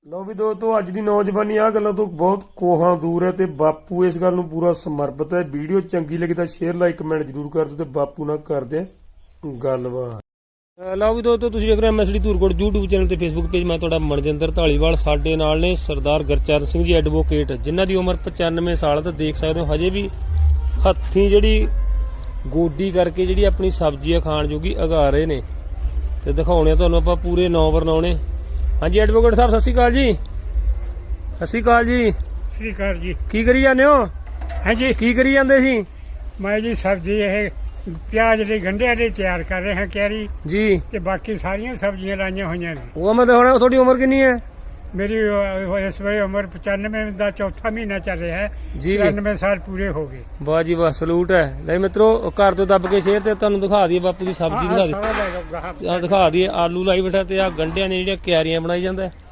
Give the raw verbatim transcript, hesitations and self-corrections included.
ਲਓ ਵੀ ਦੋਸਤੋ ਅੱਜ ਦੀ ਨੌਜਵਾਨੀ ਆ ਗੱਲਾਂ ਤੋਂ ਬਹੁਤ ਕੋਹਾਂ ਦੂਰ ਹੈ ਤੇ ਬਾਪੂ ਇਸ ਗੱਲ ਨੂੰ ਪੂਰਾ ਸਮਰਪਿਤ ਹੈ। ਵੀਡੀਓ ਚੰਗੀ ਲੱਗੀ ਤਾਂ ਸ਼ੇਅਰ ਲਾਈਕ ਕਮੈਂਟ ਜ਼ਰੂਰ ਕਰ ਦਿਓ ਤੇ ਬਾਪੂ ਨਾਲ ਕਰਦੇ ਗੱਲਬਾਤ। ਲਓ ਵੀ ਦੋਸਤੋ ਤੁਸੀਂ ਵੇਖ ਰਹੇ ਐਮਐਸਡੀ ਧੂਰਕੋਟ YouTube ਚੈਨਲ ਤੇ Facebook ਪੇਜ। ਮੈਂ ਤੁਹਾਡਾ ਮਨਜਿੰਦਰ ਢਾਲੀਵਾਲ। ਸਾਡੇ ਨਾਲ ਨੇ ਸਰਦਾਰ ਗੁਰਚਰਨ ਸਿੰਘ ਜੀ ਐਡਵੋਕੇਟ, ਜਿਨ੍ਹਾਂ ਦੀ ਉਮਰ ਪਚਾਨਵੇਂ ਸਾਲ ਤੇ ਦੇਖ ਸਕਦੇ ਹੋ ਹਜੇ ਵੀ ਹੱਥੀਂ ਜਿਹੜੀ ਗੋਡੀ ਕਰਕੇ ਜਿਹੜੀ ਆਪਣੀ ਸਬਜ਼ੀਆਂ ਖਾਣ ਜੋਗੀ ਉਗਾ ਰਹੇ ਨੇ ਤੇ ਦਿਖਾਉਣੇ ਤੁਹਾਨੂੰ ਆਪਾਂ ਪੂਰੇ ਨੌ ਵਰਨਾਉਣੇ। ਹਾਂਜੀ ਐਡਵੋਕੇਟ ਸਾਹਿਬ ਸਤਿ ਸ਼੍ਰੀ ਅਕਾਲ ਜੀ। ਸਤਿ ਸ਼੍ਰੀ ਅਕਾਲ ਜੀ। ਸਤਿ ਸ਼੍ਰੀ ਅਕਾਲ ਜੀ। ਕੀ ਕਰੀ ਜਾਂਦੇ ਹੋ? ਹਾਂਜੀ ਕੀ ਕਰੀ ਜਾਂਦੇ ਸੀ? ਮੈਂ ਜੀ ਸਬਜ਼ੀ ਇਹ ਪਿਆਜ਼ ਦੇ ਗੰਢਿਆਂ ਦੇ ਤਿਆਰ ਕਰ ਰਹੇ ਹਾਂ ਕਿਆਰੀ ਜੀ, ਤੇ ਬਾਕੀ ਸਾਰੀਆਂ ਸਬਜ਼ੀਆਂ ਲਾਈਆਂ ਹੋਈਆਂ ਨੇ। ਉਹ ਮੈਂ ਦਿਖਾਉਣਾ। ਤੁਹਾਡੀ ਉਮਰ ਕਿੰਨੀ ਹੈ? ਮੇਰੀ ਅਹ, ਇਸ ਵੇਲੇ ਉਮਰ ਪਚਾਨਵੇਂ ਦਾ ਚੌਥਾ ਮਹੀਨਾ ਚੱਲ ਰਿਹਾ ਹੈ ਜੀ। ਚੁਰਾਨਵੇਂ ਸਾਲ ਪੂਰੇ ਹੋ ਗਏ। ਵਾਹ ਜੀ ਵਾਹ, ਸਲੂਟ ਹੈ। ਲੈ ਮਿੱਤਰੋ ਘਰ ਤੋਂ ਦੱਬ ਕੇ ਸ਼ੇਰ ਤੇ ਤੁਹਾਨੂੰ ਦਿਖਾ ਦਈਏ ਬਾਪੂ ਦੀ ਸਬਜ਼ੀ। ਦਿਖਾ ਸਾਰਾ ਲੈ ਲਓ ਗਾਹਾਂ। ਦੇ ਦਿਖਾ ਦਈਏ ਆਲੂ ਲਾਈ ਬੈਠਾ ਤੇ ਆ ਗੰਢਿਆਂ ਨੇ ਜਿਹੜੀਆਂ ਕਿਆਰੀਆਂ ਬਣਾਈ ਜਾਂਦਾ।